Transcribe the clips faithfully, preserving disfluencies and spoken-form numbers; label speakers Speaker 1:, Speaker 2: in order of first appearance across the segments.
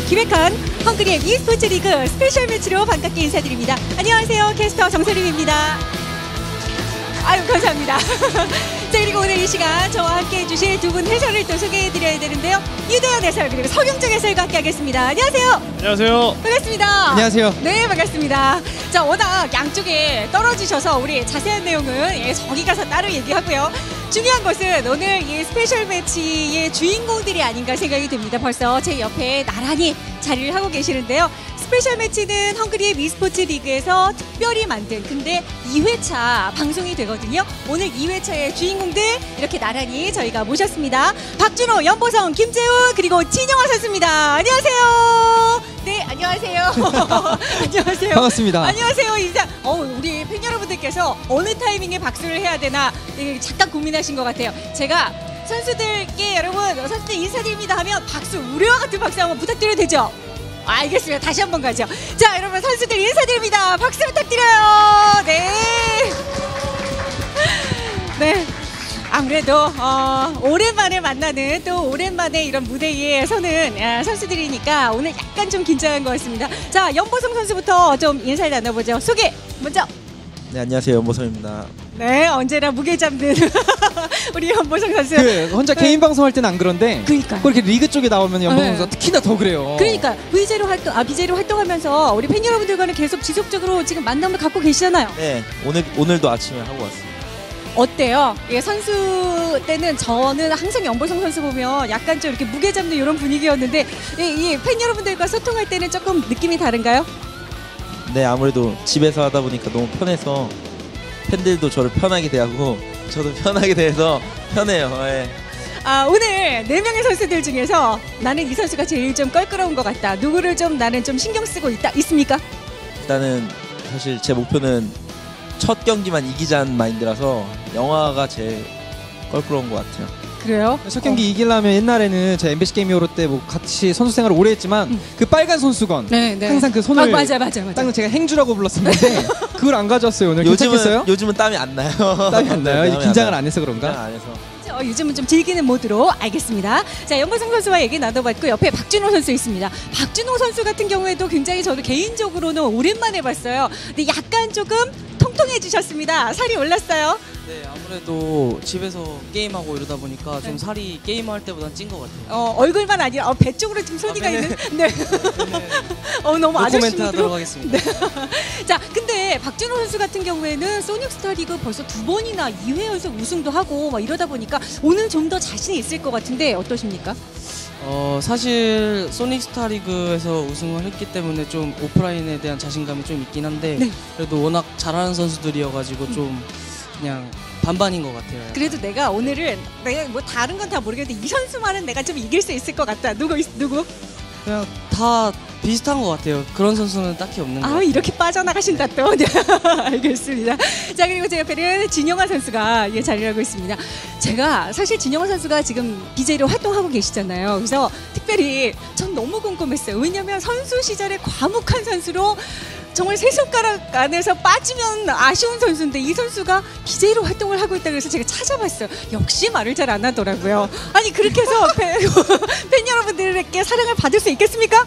Speaker 1: 기획한 헝그리의 e스포츠 리그 스페셜 매치로 반갑게 인사드립니다. 안녕하세요. 캐스터 정세림입니다. 아유, 감사합니다. 자, 그리고 오늘 이 시간 저와 함께 해주실 두 분 해설을 또 소개해드려야 되는데요. 유대현 해설 그리고 서경정 해설과 함께 하겠습니다. 안녕하세요.
Speaker 2: 안녕하세요.
Speaker 1: 반갑습니다.
Speaker 3: 안녕하세요.
Speaker 1: 네, 반갑습니다. 자, 워낙 양쪽에 떨어지셔서 우리 자세한 내용은 예, 저기 가서 따로 얘기하고요. 중요한 것은 오늘 이 스페셜 매치의 주인공들이 아닌가 생각이 듭니다. 벌써 제 옆에 나란히 자리를 하고 계시는데요. 스페셜 매치는 헝그리의 e스포츠 리그에서 특별히 만든 근데 이 회차 방송이 되거든요. 오늘 이 회차의 주인공들 이렇게 나란히 저희가 모셨습니다. 박준호, 연보성, 김재훈 그리고 진영아 선수입니다. 안녕하세요. 네, 안녕하세요. 안녕하세요.
Speaker 3: 반갑습니다.
Speaker 1: 안녕하세요. 인사. 어, 우리 팬 여러분들께서 어느 타이밍에 박수를 해야 되나 예, 잠깐 고민하신 것 같아요. 제가 선수들께 여러분 선수들 인사드립니다 하면 박수, 우려와 같은 박수 한번 부탁드려도 되죠? 알겠습니다. 다시 한번 가죠. 자, 여러분 선수들 인사드립니다. 박수 부탁드려요. 네. 네. 아무래도 어, 오랜만에 만나는 또 오랜만에 이런 무대에 서는 아, 선수들이니까 오늘 약간 좀 긴장한 것 같습니다. 자, 연보성 선수부터 좀 인사를 나눠보죠. 소개 먼저.
Speaker 2: 네, 안녕하세요. 연보성입니다.
Speaker 1: 네, 언제나 무게 잡는 우리 연보성 선수.
Speaker 3: 그 혼자 개인 방송할 때는 안 그런데
Speaker 1: 그러니까
Speaker 3: 그렇게 리그 쪽에 나오면 연보성
Speaker 1: 네.
Speaker 3: 선수가 특히나 더 그래요.
Speaker 1: 그러니까 브이제이로 활동, 아 비제이로 활동하면서 우리 팬 여러분들과는 계속 지속적으로 지금 만남을 갖고 계시잖아요.
Speaker 2: 네, 오늘 오늘도 아침에 하고 왔습니다.
Speaker 1: 어때요? 예, 선수 때는 저는 항상 연보성 선수 보면 약간 좀 이렇게 무게 잡는 이런 분위기였는데 이 팬 여러분들과 소통할 때는 조금 느낌이 다른가요?
Speaker 2: 네, 아무래도 집에서 하다 보니까 너무 편해서 팬들도 저를 편하게 대하고 저도 편하게 대해서 편해요. 네.
Speaker 1: 아, 오늘 네 명의 선수들 중에서 나는 이 선수가 제일 좀 껄끄러운 것 같다. 누구를 좀 나는 좀 신경 쓰고 있다. 있습니까?
Speaker 2: 일단은 사실 제 목표는 첫 경기만 이기자는 마인드라서 영화가 제일 껄끄러운 것 같아요.
Speaker 1: 그래요?
Speaker 3: 첫 경기 어. 이기려면 옛날에는 제 엠비씨 게임 히어로 때 뭐 같이 선수 생활을 오래 했지만
Speaker 1: 음.
Speaker 3: 그 빨간 손수건
Speaker 1: 네, 네.
Speaker 3: 항상 그 손을
Speaker 1: 아, 맞아, 맞아, 맞아.
Speaker 3: 딱 제가 행주라고 불렀었는데 그걸 안 가져왔어요. 오늘
Speaker 2: 요즘은
Speaker 3: 괜찮겠어요?
Speaker 2: 요즘은 땀이 안 나요.
Speaker 3: 땀이 안 나요?
Speaker 2: 네,
Speaker 3: 긴장을 안 해서 그런가?
Speaker 2: 긴장 안 해서.
Speaker 1: 어, 요즘은 좀 즐기는 모드로 알겠습니다. 자, 연보성 선수와 얘기 나눠봤고 옆에 박준호 선수 있습니다. 박준호 선수 같은 경우에도 굉장히 저도 개인적으로는 오랜만에 봤어요. 근데 약간 조금 통통해지셨습니다. 살이 올랐어요.
Speaker 4: 네, 아무래도 집에서 게임하고 이러다 보니까 좀 살이 게임할 때보단 찐 것 같아요.
Speaker 1: 어, 얼굴만 아니라 어, 배 쪽으로 좀 소리가
Speaker 4: 아, 네네.
Speaker 1: 있는. 네. 어, 너무
Speaker 4: 노코멘트
Speaker 1: 아저씨로.
Speaker 4: 하도록 하겠습니다.
Speaker 1: 네. 자, 근데 박준호 선수 같은 경우에는 소닉 스타리그 벌써 두 번이나 이 회 연속 우승도 하고 막 이러다 보니까 오늘 좀 더 자신이 있을 것 같은데 어떠십니까?
Speaker 4: 어, 사실 소닉스타 리그에서 우승을 했기 때문에 좀 오프라인에 대한 자신감이 좀 있긴 한데
Speaker 1: 네.
Speaker 4: 그래도 워낙 잘하는 선수들이어가지고 좀 그냥 반반인 것 같아요.
Speaker 1: 그래도 내가 오늘은 내가 뭐 다른 건 다 모르겠는데 이 선수만은 내가 좀 이길 수 있을 것 같다. 누구 있- 누구?
Speaker 4: 그냥 다 비슷한 것 같아요. 그런 선수는 딱히 없는 것
Speaker 1: 아,
Speaker 4: 같아요.
Speaker 1: 이렇게 빠져나가신다 또. 네. 알겠습니다. 자, 그리고 제 옆에는 진영아 선수가 예, 자리를 하고 있습니다. 제가 사실 진영아 선수가 지금 비제이로 활동하고 계시잖아요. 그래서 특별히 전 너무 궁금했어요. 왜냐면 선수 시절에 과묵한 선수로 정말 세 손가락 안에서 빠지면 아쉬운 선수인데 이 선수가 비제이로 활동을 하고 있다 그래서 제가 찾아봤어요. 역시 말을 잘 안 하더라고요. 아니, 그렇게 해서 팬, 팬 여러분들에게 사랑을 받을 수 있겠습니까?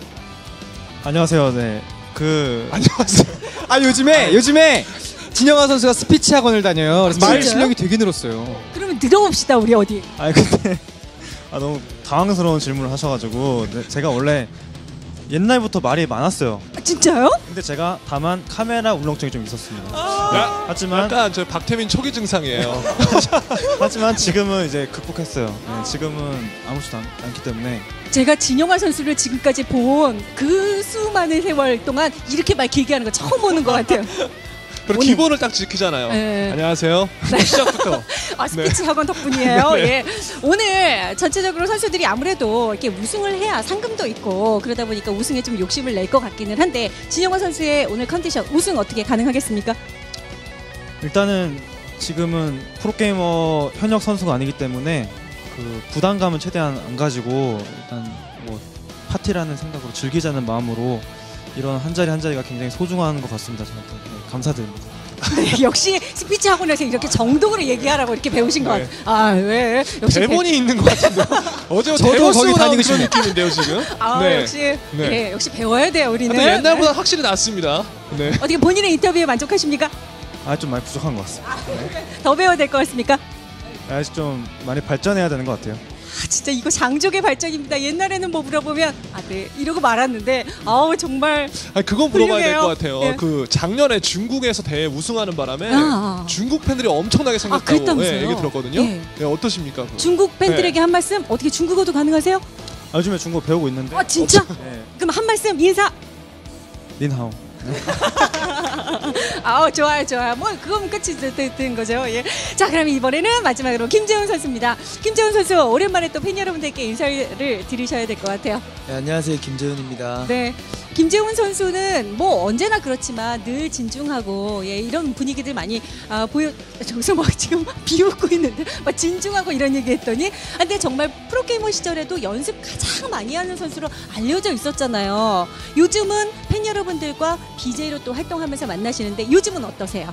Speaker 5: 안녕하세요. 네. 그
Speaker 3: 안녕하세요. 아, 요즘에 요즘에 진영아 선수가 스피치 학원을 다녀요. 그래서 말
Speaker 1: 진짜요?
Speaker 3: 실력이 되게 늘었어요.
Speaker 1: 그러면 들어봅시다, 우리 어디.
Speaker 5: 아니 근데 아 너무 당황스러운 질문을 하셔가지고 네, 제가 원래 옛날부터 말이 많았어요.
Speaker 1: 아, 진짜요?
Speaker 5: 근데 제가 다만 카메라 울렁증이 좀 있었습니다.
Speaker 6: 야,
Speaker 5: 하지만
Speaker 6: 약간 저 박태민 초기 증상이에요.
Speaker 5: 하지만 지금은 이제 극복했어요. 네, 지금은 아무렇지도 않, 않기 때문에
Speaker 1: 제가 진영아 선수를 지금까지 본 그 수많은 세월 동안 이렇게 말 길게 하는 거 처음 보는 것 같아요.
Speaker 6: 그리고
Speaker 1: 오늘-
Speaker 6: 기본을 딱 지키잖아요.
Speaker 1: 네.
Speaker 6: 안녕하세요. 시작부터.
Speaker 1: 아, 스피치 학원 덕분이에요. 예. 오늘 전체적으로 선수들이 아무래도 이렇게 우승을 해야 상금도 있고 그러다 보니까 우승에 좀 욕심을 낼 것 같기는 한데 진영아 선수의 오늘 컨디션 우승 어떻게 가능하겠습니까?
Speaker 5: 일단은 지금은 프로게이머 현역 선수가 아니기 때문에 그 부담감은 최대한 안 가지고 일단 뭐 파티라는 생각으로 즐기자는 마음으로 이런 한 자리 한 자리가 굉장히 소중한 것 같습니다. 저한테. 네, 감사드립니다.
Speaker 1: 네, 역시 스피치 학원에서 이렇게 정독으로 얘기하라고 이렇게 배우신 것
Speaker 6: 네.
Speaker 1: 같아요. 아, 왜? 역시
Speaker 6: 대본이 있는 것 같은데요. 어제
Speaker 3: 저도
Speaker 6: 대본
Speaker 3: 거기
Speaker 6: 쓰고 나온
Speaker 3: 다니고
Speaker 6: 그런
Speaker 3: 싶네요.
Speaker 6: 느낌인데요 지금.
Speaker 1: 배... 아,
Speaker 6: 네.
Speaker 1: 역시
Speaker 6: 네.
Speaker 1: 네, 역시 배워야 돼요, 우리는.
Speaker 6: 근데 옛날보다
Speaker 1: 네.
Speaker 6: 확실히 낫습니다. 네.
Speaker 1: 어떻게 본인의 인터뷰에 만족하십니까?
Speaker 5: 아 좀 많이 부족한 것 같습니다.
Speaker 1: 더 배워야 될 것 같습니까?
Speaker 5: 아직 좀 많이 발전해야 되는 것 같아요.
Speaker 1: 아, 진짜 이거 장족의 발전입니다. 옛날에는 뭐 물어보면 아, 네 이러고 말았는데 아우 정말
Speaker 6: 아니 그건 물어봐야 될
Speaker 1: 훌륭해요.
Speaker 6: 것 같아요.
Speaker 1: 네.
Speaker 6: 그 작년에 중국에서 대회 우승하는 바람에
Speaker 1: 아.
Speaker 6: 중국 팬들이 엄청나게 생겼다고
Speaker 1: 그랬다면서요?
Speaker 6: 예, 얘기 들었거든요.
Speaker 1: 예.
Speaker 6: 예, 어떠십니까? 그거?
Speaker 1: 중국 팬들에게 한 말씀 어떻게 중국어도 가능하세요?
Speaker 5: 아, 요즘에 중국어 배우고 있는데.
Speaker 1: 아 진짜?
Speaker 5: 네.
Speaker 1: 그럼 한 말씀 인사.
Speaker 5: 닌하오.
Speaker 1: 아 좋아요 좋아요. 뭐 그거면 끝이 되- 되- 된 거죠. 예. 자 그럼 이번에는 마지막으로 김재훈 선수입니다. 김재훈 선수 오랜만에 또 팬 여러분들께 인사를 드리셔야 될 것 같아요.
Speaker 2: 네, 안녕하세요, 김재훈입니다.
Speaker 1: 네. 김재훈 선수는 뭐 언제나 그렇지만 늘 진중하고 예, 이런 분위기들 많이 아, 보여 저기서 막 지금 비웃고 있는데 막 진중하고 이런 얘기했더니 아, 근데 정말 프로게이머 시절에도 연습 가장 많이 하는 선수로 알려져 있었잖아요. 요즘은 팬 여러분들과 비제이로 또 활동하면서 만나시는데 요즘은 어떠세요?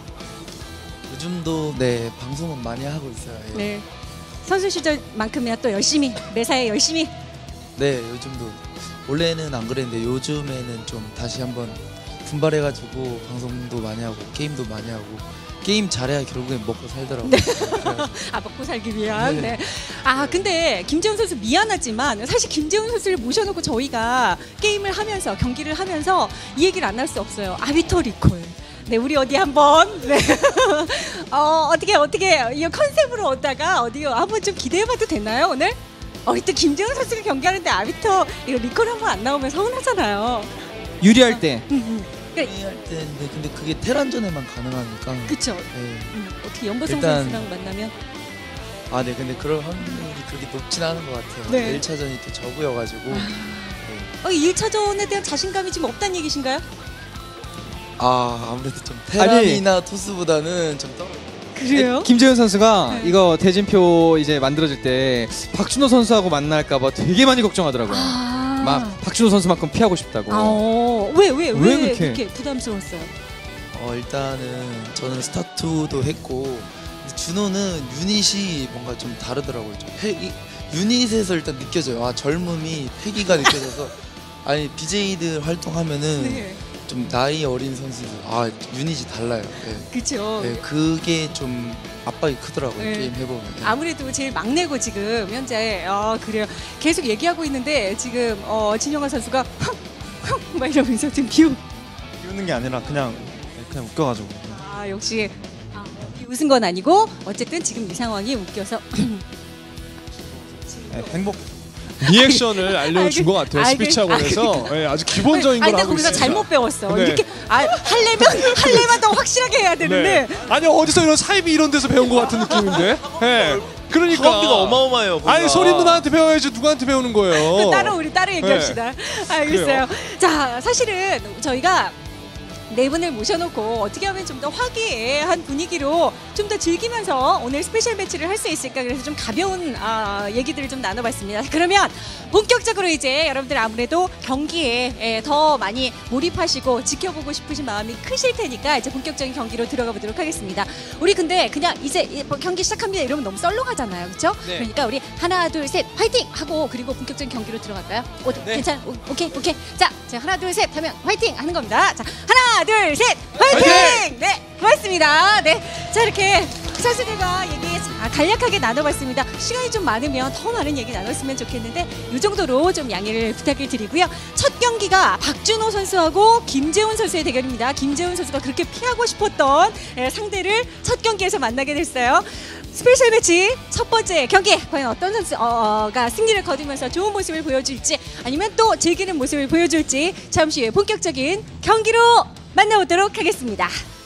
Speaker 2: 요즘도 네 방송은 많이 하고 있어요. 예.
Speaker 1: 네. 선수 시절만큼이나 또 열심히 매사에 열심히
Speaker 2: 네, 요즘도 원래는 안 그랬는데 요즘에는 좀 다시 한번 분발해가지고 방송도 많이 하고 게임도 많이 하고 게임 잘해야 결국엔 먹고 살더라고요. 그래가지고.
Speaker 1: 아 먹고 살기 위한.
Speaker 2: 네.
Speaker 1: 네. 아 근데 김재훈 선수 미안하지만 사실 김재훈 선수를 모셔놓고 저희가 게임을 하면서 경기를 하면서 이 얘기를 안 할 수 없어요. 아비터 리콜. 네 우리 어디 한번 네. 어 어떻게 어떻게 이 컨셉으로 오다가 어디 한번 좀 기대해봐도 되나요 오늘? 어 이때 김재훈 선수가 경기하는데 아비터 이거 리콜 한번 안 나오면 서운하잖아요.
Speaker 3: 유리할 때.
Speaker 1: 음, 음.
Speaker 2: 할 때인데 근데 그게 테란전에만 가능하니까.
Speaker 1: 그쵸.
Speaker 2: 네.
Speaker 1: 음, 어떻게 연보성
Speaker 2: 일단-
Speaker 1: 선수랑 만나면
Speaker 2: 아, 네, 근데 그럴 확률이 그렇게 높진 않은 것 같아요.
Speaker 1: 네.
Speaker 2: 일 차전이 또 저구여가지고. 네.
Speaker 1: 어, 이 일 차전에 대한 자신감이 지금 없다는 얘기신가요?
Speaker 2: 아, 아무래도 좀 테란이나 토스보다는 좀 떨어.
Speaker 1: 그래요?
Speaker 3: 김재훈 선수가
Speaker 1: 네.
Speaker 3: 이거 대진표 이제 만들어질 때 박준호 선수하고 만날까봐 되게 많이 걱정하더라고요.
Speaker 1: 아.
Speaker 3: 막 박준호 선수만큼 피하고 싶다고.
Speaker 1: 아, 어. 왜, 왜, 왜,
Speaker 3: 왜
Speaker 1: 그렇게?
Speaker 3: 그렇게?
Speaker 1: 부담스러웠어요?
Speaker 2: 어, 일단은 저는 스타투도 했고 근데 준호는 유닛이 뭔가 좀 다르더라고요. 좀 패, 이, 유닛에서 일단 느껴져요. 아, 젊음이 패기가 느껴져서 아니 비제이들 활동하면은
Speaker 1: 네.
Speaker 2: 좀 나이 어린 선수들 아 유닛이 달라요. 네.
Speaker 1: 그쵸.
Speaker 2: 네, 그게 좀 압박이 크더라고요.
Speaker 1: 네.
Speaker 2: 게임 해보면. 네.
Speaker 1: 아무래도 제일 막내고 지금 현재 어 그래요. 계속 얘기하고 있는데 지금 어 진영아 선수가 막 이러면서 지금 비웃.
Speaker 5: 비웃는 게 아니라 그냥 그냥 웃겨가지고.
Speaker 1: 아 역시 아, 웃은 건 아니고 어쨌든 지금 이 상황이 웃겨서
Speaker 5: 네, 행복.
Speaker 6: 리액션을 알려준
Speaker 1: 알겠-
Speaker 6: 것 같아요.
Speaker 1: 알겠-
Speaker 6: 스피치 학원에서 예, 아주 기본적인
Speaker 1: 아니,
Speaker 6: 걸
Speaker 1: 근데
Speaker 6: 하고
Speaker 1: 거기서
Speaker 6: 있습니다.
Speaker 1: 잘못 배웠어.
Speaker 6: 네.
Speaker 1: 이렇게 아 할래면 할래만 더 확실하게 해야 되는데.
Speaker 6: 네. 아니 어디서 이런 사이비 이런 데서 배운 것 같은 느낌인데. 예. 그러니까
Speaker 2: 학원비가 어마어마해요. 거기가.
Speaker 6: 아니 소리 누나한테 배워야지 누구한테 배우는 거예요.
Speaker 1: 따로 우리 따로 얘기합시다. 알겠어요. 자, 사실은 저희가 네 분을 모셔놓고 어떻게 하면 좀 더 화기애애한 분위기로 좀 더 즐기면서 오늘 스페셜 매치를 할 수 있을까 그래서 좀 가벼운 아, 얘기들을 좀 나눠봤습니다. 그러면 본격적으로 이제 여러분들 아무래도 경기에 예, 더 많이 몰입하시고 지켜보고 싶으신 마음이 크실 테니까 이제 본격적인 경기로 들어가 보도록 하겠습니다. 우리 근데 그냥 이제 이 경기 시작합니다 이러면 너무 썰렁하잖아요, 그렇죠?
Speaker 6: 네.
Speaker 1: 그러니까 우리 하나 둘 셋 화이팅 하고 그리고 본격적인 경기로 들어갈까요? 오, 괜찮아? 오, 오케이 오케이. 자, 제가 하나 둘 셋 하면 화이팅 하는 겁니다. 자, 하나 둘 셋 화이팅!
Speaker 6: 화이팅!
Speaker 1: 네, 고맙습니다. 네, 자 이렇게 선수들과 얘기 자, 간략하게 나눠봤습니다. 시간이 좀 많으면 더 많은 얘기 나눴으면 좋겠는데 이 정도로 좀 양해를 부탁을 드리고요. 첫 경기가 박준호 선수하고 김재훈 선수의 대결입니다. 김재훈 선수가 그렇게 피하고 싶었던 예, 상대를 첫 경기에서 만나게 됐어요. 스페셜 매치 첫 번째 경기 과연 어떤 선수가 승리를 거두면서 좋은 모습을 보여줄지 아니면 또 즐기는 모습을 보여줄지 잠시 후에 본격적인 경기로 만나보도록 하겠습니다.